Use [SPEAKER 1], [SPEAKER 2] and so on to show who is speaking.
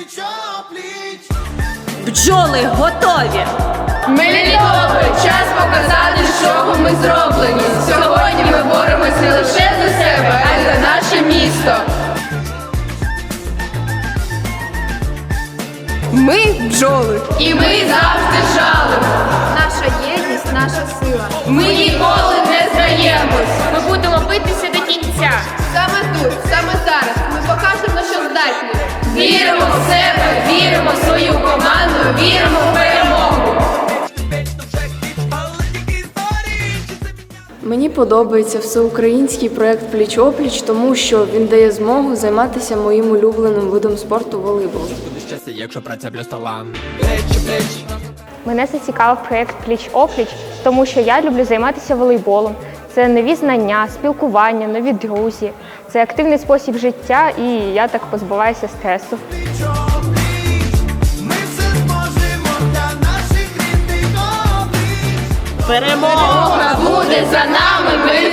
[SPEAKER 1] Бджоли готові!
[SPEAKER 2] Мелітополь, час показати, з чого ми зроблені. Сьогодні ми боремось не лише за себе, а й за наше місто.
[SPEAKER 3] Ми бджоли.
[SPEAKER 2] І ми завжди жалимо.
[SPEAKER 3] Наша єдність, наша сила.
[SPEAKER 2] Ми ніколи не здаємось.
[SPEAKER 4] Ми будемо битися до кінця.
[SPEAKER 3] Саме тут, саме зараз ми покажемо, на що здатні.
[SPEAKER 2] Віримо в себе, віримо в свою команду, віримо в перемогу.
[SPEAKER 5] Мені подобається всеукраїнський проєкт «Пліч-опліч», тому що він дає змогу займатися моїм улюбленим видом спорту – волейбол.
[SPEAKER 6] Якщо праця плюс талант.
[SPEAKER 4] Мене зацікавив проєкт «Пліч-опліч», тому що я люблю займатися волейболом. Це нові знання, спілкування, нові друзі. Це активний спосіб життя, і я так позбуваюся стресу.
[SPEAKER 1] Перемога!
[SPEAKER 2] Буде за нами, ми